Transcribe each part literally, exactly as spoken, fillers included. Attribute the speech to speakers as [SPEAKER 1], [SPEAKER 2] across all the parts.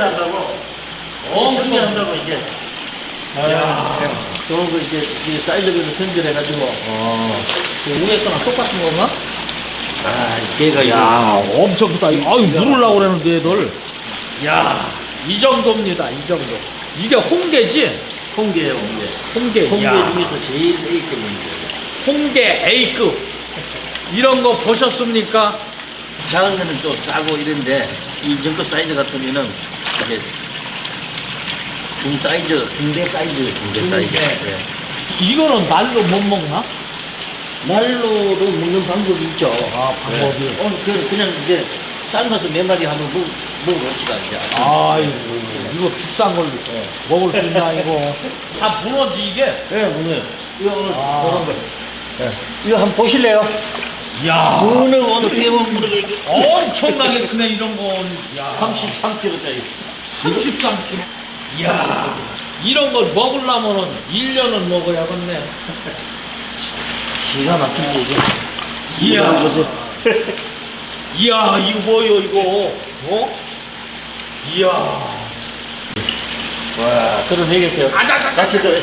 [SPEAKER 1] 한다고. 엄청 한다고 이제. 야, 저거 이제 이 사이즈별로 선별해가지고.
[SPEAKER 2] 어. 그 위에 거랑 똑같은 건가?
[SPEAKER 1] 아, 걔가
[SPEAKER 2] 야,
[SPEAKER 1] 이거.
[SPEAKER 2] 엄청 크다. 아유, 물으려고 그러는데 얘들. 야, 이 정도입니다. 이 정도. 이게 홍게지?
[SPEAKER 1] 홍게예요, 홍게.
[SPEAKER 2] 홍게.
[SPEAKER 1] 홍게
[SPEAKER 2] 야,
[SPEAKER 1] 중에서 제일 A급입니다.
[SPEAKER 2] 홍게 A급. 이런 거 보셨습니까?
[SPEAKER 1] 작은 거는 또 싸고 이런데 이 정도 사이즈 같으면은 이제 중 사이즈, 중대 사이즈, 중대 사이즈. 네.
[SPEAKER 2] 이거는 날로 못 먹나?
[SPEAKER 1] 날로도 먹는 방법이 있죠.
[SPEAKER 2] 아, 방법이.
[SPEAKER 1] 네. 어, 그, 그냥 이제 삶아서 몇 마리 한번 먹, 먹어봅시다, 이제.
[SPEAKER 2] 아이고, 이거 비싼 걸 먹을 수 있나, 이거. 다 무너지, 이게?
[SPEAKER 1] 네, 문어요. 이거 오늘
[SPEAKER 2] 아.
[SPEAKER 1] 그런 거. 네. 이거 한번 보실래요?
[SPEAKER 2] 야
[SPEAKER 1] 문어가 어떻게 보면 문어가 이렇게
[SPEAKER 2] 엄청나게 크네, 이런 건. 야
[SPEAKER 1] 삼십삼 킬로짜리.
[SPEAKER 2] 삼십삼 킬로그램. 이야, 이런 걸 먹으려면은 일 년은 먹어야겠네.
[SPEAKER 1] 기가 막힌 얘기.
[SPEAKER 2] 이야,
[SPEAKER 1] 보세요.
[SPEAKER 2] 이야, 이거 뭐요, 이거? 어? 이야.
[SPEAKER 1] 와, 들어내 계세요.
[SPEAKER 2] 아자자자.
[SPEAKER 1] 같이 더.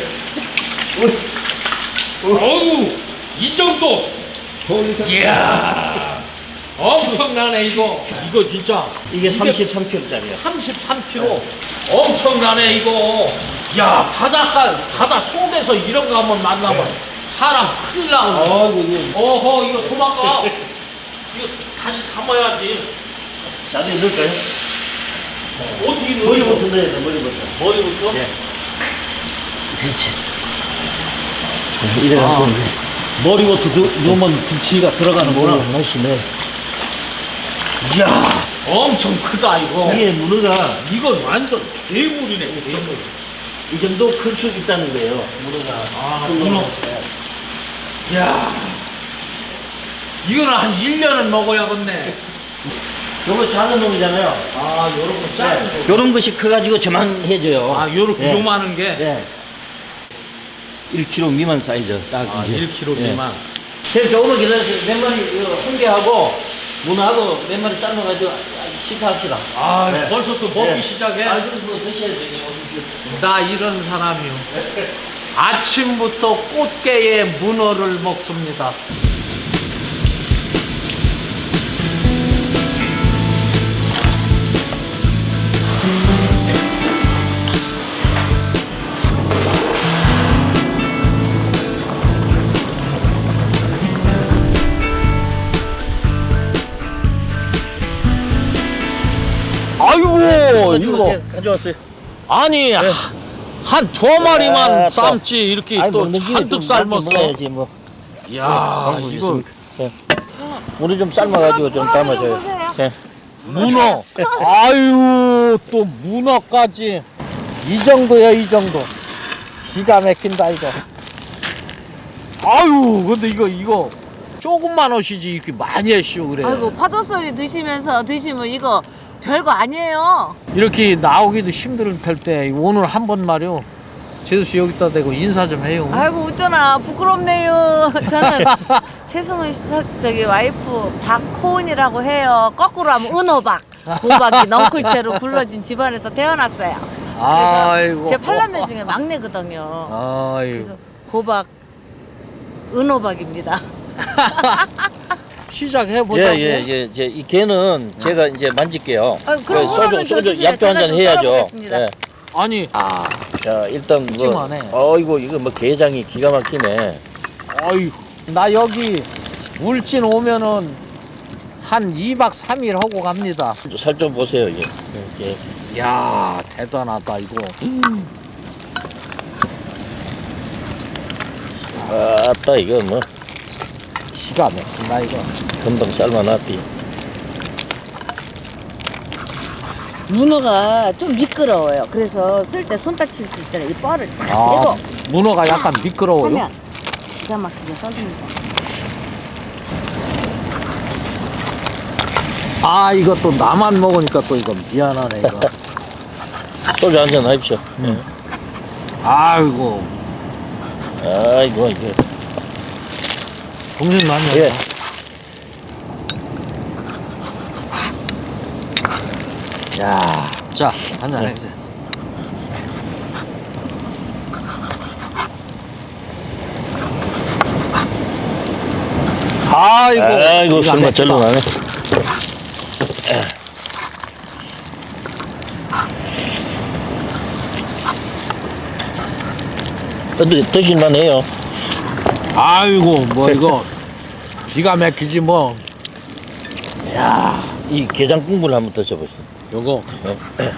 [SPEAKER 2] 어우, 이 정도. 이야, 엄청나네, 이거. 이거 진짜.
[SPEAKER 1] 이게 삼십삼 킬로짜리야.
[SPEAKER 2] 삼십삼 킬로그램. 엄청나네, 이거. 야, 바닷가, 바다 속에서 이런 거 한번 만나면 사람 큰일 나오네.
[SPEAKER 1] 아이고, 이게.
[SPEAKER 2] 어허, 이거 도망가. 이거 다시 담아야지.
[SPEAKER 1] 자주 넣을까요?
[SPEAKER 2] 어떻게
[SPEAKER 1] 머리부터
[SPEAKER 2] 넣어요?
[SPEAKER 1] 넣어야 돼, 머리부터.
[SPEAKER 2] 머리부터?
[SPEAKER 1] 네. 그렇지. 이래갖고
[SPEAKER 2] 아.
[SPEAKER 1] 이제.
[SPEAKER 2] 머리부터 넣- 넣으면 김치가 들어가는구나.
[SPEAKER 1] 맛이네.
[SPEAKER 2] 이야, 엄청 크다, 이거.
[SPEAKER 1] 이게 문어가
[SPEAKER 2] 이건 완전 대물이네, 대물.
[SPEAKER 1] 이 정도 클 수 있다는 거예요, 문어가.
[SPEAKER 2] 아,
[SPEAKER 1] 큰
[SPEAKER 2] 문어.
[SPEAKER 1] 놈은. 네.
[SPEAKER 2] 이야, 이거는 한 일 년은 먹어야겠네.
[SPEAKER 1] 요거 작은 놈이잖아요.
[SPEAKER 2] 아, 요런 거 작은 거.
[SPEAKER 1] 요런 것이 커가지고 저만해져요.
[SPEAKER 2] 아, 요렇게
[SPEAKER 1] 네.
[SPEAKER 2] 요만한 게.
[SPEAKER 1] 네. 일 킬로그램 미만 사이즈. 딱
[SPEAKER 2] 아,
[SPEAKER 1] 이제.
[SPEAKER 2] 일 킬로그램 미만.
[SPEAKER 1] 네. 조금만 기다려주세요. 몇 마리, 이거 홍게하고 문어하고 몇 마리 삶아가지고 식사합시다.
[SPEAKER 2] 아,
[SPEAKER 1] 네.
[SPEAKER 2] 벌써 또 먹기
[SPEAKER 1] 네.
[SPEAKER 2] 시작해?
[SPEAKER 1] 아, 그럼 뭐 드셔야 되겠네.
[SPEAKER 2] 나 이런 사람이요. 아침부터 꽃게에 문어를 먹습니다. 아이고, 이거.
[SPEAKER 1] 가져왔어요.
[SPEAKER 2] 아니,
[SPEAKER 1] 네.
[SPEAKER 2] 한 두어 마리만
[SPEAKER 1] 야,
[SPEAKER 2] 삶지, 이렇게
[SPEAKER 1] 아니,
[SPEAKER 2] 또
[SPEAKER 1] 먹는 김에
[SPEAKER 2] 잔뜩
[SPEAKER 1] 좀
[SPEAKER 2] 삶았어.
[SPEAKER 1] 먹어야지, 뭐.
[SPEAKER 2] 이야,
[SPEAKER 1] 방법이
[SPEAKER 2] 이거
[SPEAKER 1] 있습니까? 네. 물을 좀 삶아가지고 좀 담아줘요. 네.
[SPEAKER 2] 문어. 아유, 또 문어까지. 이 정도야, 이 정도. 기가 막힌다, 이거. 아유, 근데 이거, 이거. 조금만 오시지, 이렇게 많이 하시오, 그래.
[SPEAKER 3] 아이고 파도 소리 드시면서 드시면 이거 별거 아니에요.
[SPEAKER 2] 이렇게 나오기도 힘들 텐데, 오늘 한 번 말이요. 제수씨 여기다 대고 인사 좀 해요.
[SPEAKER 3] 아이고 웃잖아 부끄럽네요. 저는 최승훈 씨 사- 저기 와이프 박호은이라고 해요. 거꾸로 하면 은호박. 호박이 넝쿨째로 굴러진 집안에서 태어났어요.
[SPEAKER 2] 아이고.
[SPEAKER 3] 제 팔남매 중에 막내거든요.
[SPEAKER 2] 아이고.
[SPEAKER 3] 그래서 호박 은호박입니다.
[SPEAKER 2] 시작해보자고.
[SPEAKER 1] 예, 예, 예. 이제 이 개는 제가 이제 만질게요.
[SPEAKER 3] 아유, 그럼
[SPEAKER 1] 그 소주,
[SPEAKER 3] 그러면 저
[SPEAKER 1] 소주,
[SPEAKER 3] 주세요.
[SPEAKER 1] 약주 한 잔
[SPEAKER 3] 제가 좀
[SPEAKER 1] 해야죠.
[SPEAKER 3] 썰어보겠습니다.
[SPEAKER 1] 예.
[SPEAKER 2] 아니,
[SPEAKER 1] 아, 자, 일단 뭐.
[SPEAKER 2] 푸짐하네.
[SPEAKER 1] 어이구, 이거 뭐 게장이 기가 막히네.
[SPEAKER 2] 아이고. 나 여기 울진 오면은 한 이 박 삼 일 하고 갑니다.
[SPEAKER 1] 살 좀 보세요, 이게. 예.
[SPEAKER 2] 이야, 대단하다, 이거.
[SPEAKER 1] 아따, 이거 뭐.
[SPEAKER 2] 기가 막힌다, 이거.
[SPEAKER 1] 금방 삶아놨디.
[SPEAKER 3] 문어가 좀 미끄러워요. 그래서 쓸 때 손 다칠 수 있잖아요. 이 뻘을 딱
[SPEAKER 2] 아,
[SPEAKER 3] 내고
[SPEAKER 2] 문어가 약간 미끄러워요.
[SPEAKER 3] 하면 기가 막히게 썰립니다.
[SPEAKER 2] 아, 이거 또 나만 먹으니까 또 이거 미안하네, 이거.
[SPEAKER 1] 소주 한 잔 하십시오.
[SPEAKER 2] 음. 아이고,
[SPEAKER 1] 예. 아이고, 이거.
[SPEAKER 2] 동생 많이
[SPEAKER 1] 예.
[SPEAKER 2] 왔다. 야, 자, 한잔 해주세요. 아이고,
[SPEAKER 1] 아이고,
[SPEAKER 2] 이거 안
[SPEAKER 1] 설마 절로
[SPEAKER 2] 됐다.
[SPEAKER 1] 나네. 근데 드실만 해요.
[SPEAKER 2] 아이고, 뭐 이거 기가 막히지 뭐. 야,
[SPEAKER 1] 이 게장 국물 한번 드셔보세요.
[SPEAKER 2] 요거
[SPEAKER 1] 네.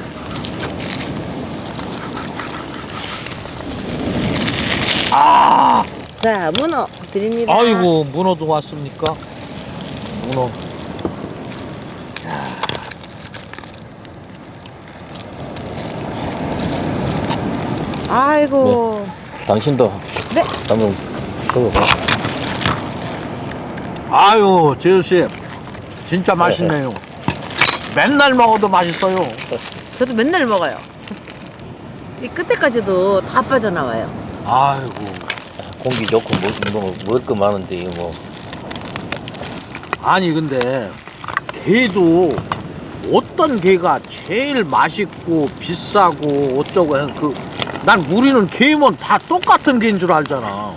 [SPEAKER 2] 아,
[SPEAKER 3] 자, 문어 드립니다.
[SPEAKER 2] 아이고 문어도 왔습니까? 문어.
[SPEAKER 3] 아이고.
[SPEAKER 1] 당신도
[SPEAKER 3] 네.
[SPEAKER 1] 한번 먹어봐.
[SPEAKER 2] 아유, 재수 씨, 진짜 맛있네요. 맨날 먹어도 맛있어요.
[SPEAKER 3] 저도 맨날 먹어요. 이 끝에까지도 다 빠져나와요.
[SPEAKER 2] 아이고,
[SPEAKER 1] 공기 좋고 뭐, 뭐, 먹을 거 많은데 이거 뭐.
[SPEAKER 2] 아니 근데 게도 어떤 게가 제일 맛있고 비싸고 어쩌고 해서 그 난 우리는 게면 다 똑같은 게인 줄 알잖아.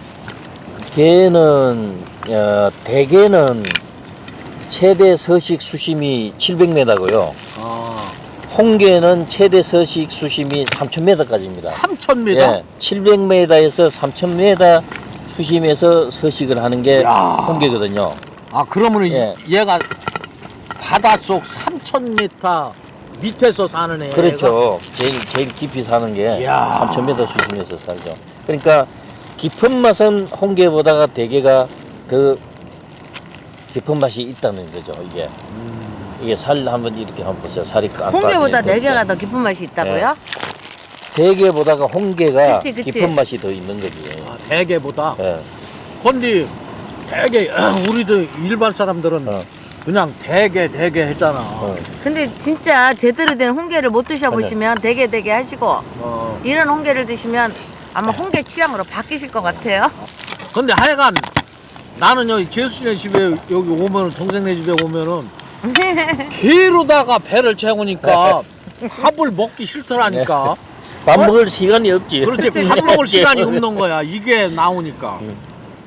[SPEAKER 1] 게는 어, 대게는 최대 서식 수심이 칠백 미터고요.
[SPEAKER 2] 아,
[SPEAKER 1] 홍게는 최대 서식 수심이 삼천 미터까지입니다.
[SPEAKER 2] 삼천 미터.
[SPEAKER 1] 예, 칠백 미터에서 삼천 미터 수심에서 서식을 하는 게
[SPEAKER 2] 야.
[SPEAKER 1] 홍게거든요.
[SPEAKER 2] 아, 그러면
[SPEAKER 1] 예.
[SPEAKER 2] 얘가 바닷속 삼천 미터 밑에서 사는 애가.
[SPEAKER 1] 그렇죠. 제일 제일 깊이 사는 게
[SPEAKER 2] 이야.
[SPEAKER 1] 삼천 미터 수심에서 살죠. 그러니까 깊은 맛은 홍게보다가 대게가 더 깊은 맛이 있다는 거죠. 이게
[SPEAKER 2] 음.
[SPEAKER 1] 이게 살 한번 이렇게 한번 보세요. 살이 안
[SPEAKER 3] 홍게보다
[SPEAKER 1] 빠지는
[SPEAKER 3] 내게가
[SPEAKER 1] 거죠.
[SPEAKER 3] 더 깊은 맛이 있다고요?
[SPEAKER 1] 대게보다가 홍게가
[SPEAKER 3] 그치, 그치.
[SPEAKER 1] 깊은 맛이 더 있는 거지.
[SPEAKER 2] 아, 대게보다.
[SPEAKER 1] 예.
[SPEAKER 2] 근데 대게 우리도 일반 사람들은
[SPEAKER 1] 어.
[SPEAKER 2] 그냥 대게 대게 했잖아.
[SPEAKER 1] 어.
[SPEAKER 3] 근데 진짜 제대로 된 홍게를 못 드셔보시면 되게 되게 하시고
[SPEAKER 2] 어.
[SPEAKER 3] 이런 홍게를 드시면 아마 홍게 취향으로 바뀌실 것 같아요.
[SPEAKER 2] 근데 하여간 나는 여기 재수씨네 집에 여기 오면은 동생네 집에 오면은 게로다가 배를 채우니까 밥을 먹기 싫더라니까.
[SPEAKER 1] 밥 먹을 시간이 없지.
[SPEAKER 2] 그렇지, 밥 먹을 시간이 없는 거야. 이게 나오니까.
[SPEAKER 1] 음.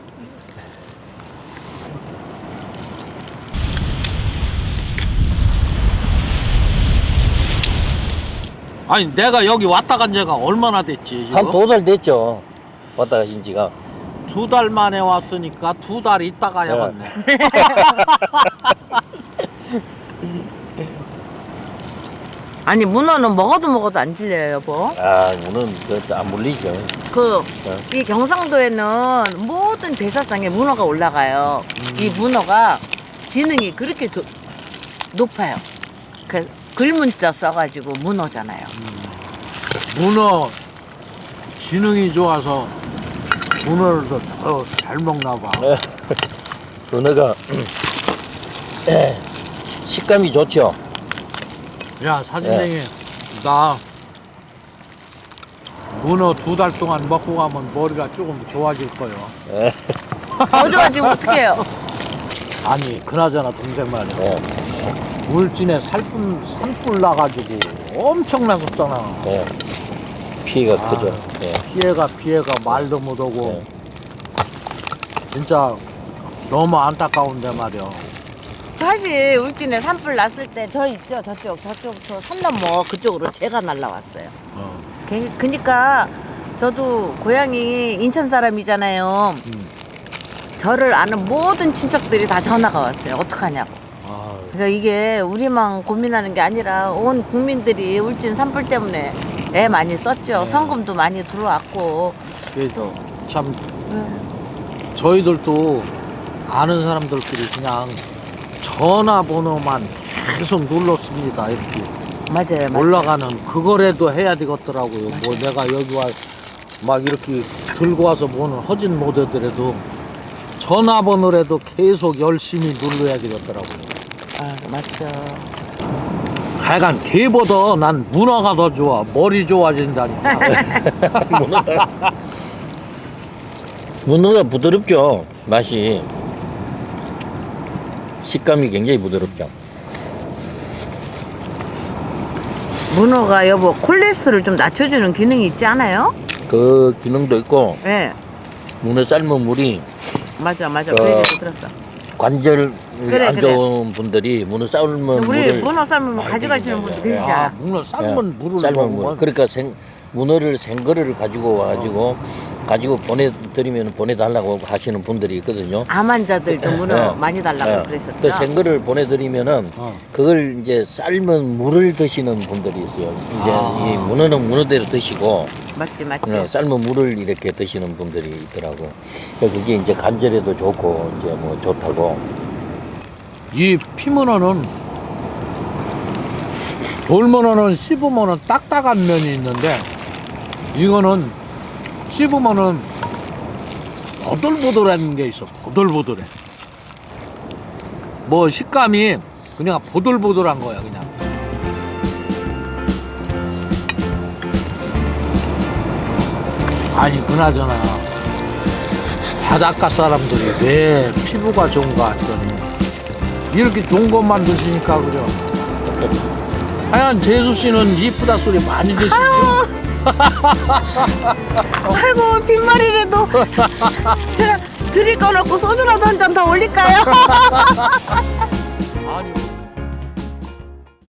[SPEAKER 2] 아니 내가 여기 왔다 간 지가 얼마나 됐지 지금?
[SPEAKER 1] 한 두 달 됐죠. 왔다 가신 지가.
[SPEAKER 2] 두 달 만에 왔으니까 두 달 있다가
[SPEAKER 1] 네.
[SPEAKER 2] 야겠네.
[SPEAKER 3] 아니 문어는 먹어도 먹어도 안 질려요, 여보.
[SPEAKER 1] 아, 오늘 그안 물리죠.
[SPEAKER 3] 그
[SPEAKER 1] 네.
[SPEAKER 3] 이 경상도에는 모든 제사상에 문어가 올라가요.
[SPEAKER 2] 음.
[SPEAKER 3] 이 문어가 지능이 그렇게 조- 높아요. 그 글문자 써가지고 문어잖아요.
[SPEAKER 2] 문어 기능이 좋아서 문어를 더 잘 먹나 봐.
[SPEAKER 1] 네. 은어가 식감이 좋죠.
[SPEAKER 2] 야 사진쟁이 나 문어 두 달 동안 먹고 가면 머리가 조금 좋아질 거요.
[SPEAKER 1] 예.
[SPEAKER 3] 더 좋아지고 어떡해요?
[SPEAKER 2] 아니 그나저나 동생 말이야.
[SPEAKER 1] 예.
[SPEAKER 2] 울진에 살뿐 산불 나가지고 엄청나겠잖아.
[SPEAKER 1] 예. 피해가
[SPEAKER 2] 아.
[SPEAKER 1] 크죠. 예.
[SPEAKER 2] 피해가 피해가 말도 못하고
[SPEAKER 1] 예.
[SPEAKER 2] 진짜 너무 안타까운데 말이야.
[SPEAKER 3] 사실 울진에 산불 났을 때 저 있죠, 저쪽 저쪽 저 산 넘어 그쪽으로 제가 날라왔어요.
[SPEAKER 2] 어.
[SPEAKER 3] 그- 그니까 저도 고향이 인천 사람이잖아요.
[SPEAKER 2] 음.
[SPEAKER 3] 저를 아는 모든 친척들이 다 전화가 왔어요. 어떡하냐고.
[SPEAKER 2] 아,
[SPEAKER 3] 그러니까 이게 우리만 고민하는 게 아니라 온 국민들이 울진 산불 때문에 애 많이 썼죠.
[SPEAKER 2] 네.
[SPEAKER 3] 성금도 많이 들어왔고
[SPEAKER 2] 이게
[SPEAKER 3] 또
[SPEAKER 2] 참
[SPEAKER 3] 예.
[SPEAKER 2] 저희들도 아는 사람들끼리 그냥 전화번호만 계속 눌렀습니다. 이렇게
[SPEAKER 3] 맞아요, 맞아요.
[SPEAKER 2] 올라가는 그거라도 해야 되겠더라고요. 뭐 내가 여기 와 막 이렇게 들고 와서 뭐는 허진 못하더라도 전화번호라도 계속 열심히 눌러야 되겠더라고요.
[SPEAKER 3] 아, 맞죠.
[SPEAKER 2] 하여간 개보다 난 문어가 더 좋아. 머리 좋아진다니까.
[SPEAKER 1] 문어가 문어가 부드럽죠. 맛이 식감이 굉장히 부드럽죠.
[SPEAKER 3] 문어가 여보 콜레스테롤 좀 낮춰주는 기능이 있지 않아요?
[SPEAKER 2] 그 기능도 있고
[SPEAKER 3] 네.
[SPEAKER 2] 문어 삶은 물이
[SPEAKER 3] 맞아 맞아
[SPEAKER 2] 어.
[SPEAKER 3] 그 얘기도 들었어.
[SPEAKER 2] 관절
[SPEAKER 3] 그래,
[SPEAKER 2] 안
[SPEAKER 3] 그래.
[SPEAKER 2] 좋은 분들이 문어 삶은
[SPEAKER 3] 우리
[SPEAKER 2] 물을
[SPEAKER 3] 문어 삶으면
[SPEAKER 2] 많이
[SPEAKER 3] 가져가시는
[SPEAKER 2] 드신다고.
[SPEAKER 3] 분들
[SPEAKER 2] 예.
[SPEAKER 3] 계시잖아.
[SPEAKER 2] 아, 문어 삶은 물을
[SPEAKER 1] 삶은 물.
[SPEAKER 2] 먹으면
[SPEAKER 1] 그러니까 생 문어를 생거를 가지고 와가지고 가지고 보내드리면 보내달라고 하시는 분들이 있거든요.
[SPEAKER 3] 암 환자들도 문어
[SPEAKER 1] 예.
[SPEAKER 3] 많이 달라고
[SPEAKER 1] 예.
[SPEAKER 3] 그랬었죠.
[SPEAKER 1] 또 생거를 보내드리면은
[SPEAKER 2] 어.
[SPEAKER 1] 그걸 이제 삶은 물을 드시는 분들이 있어요. 이제
[SPEAKER 2] 아.
[SPEAKER 1] 이 문어는 문어대로 드시고
[SPEAKER 3] 맞지 맞지.
[SPEAKER 1] 어, 삶은 물을 이렇게 드시는 분들이 있더라고. 그러니까 그게 이제 관절에도 좋고 이제 뭐 좋다고.
[SPEAKER 2] 이 피문어는 돌문어는 씹으면은 딱딱한 면이 있는데 이거는 씹으면은 보들보들한 게 있어. 보들보들해. 뭐 식감이 그냥 보들보들한 거야 그냥. 아니 그나저나 바닷가 사람들이 왜 피부가 좋은가 했더니 이렇게 좋은 것만 드시니까 그죠. 하여간 재수 씨는 이쁘다 소리 많이 드시네요.
[SPEAKER 3] 아이고 빈말이라도 제가 드릴 거 없고 소주라도 한 잔 더 올릴까요?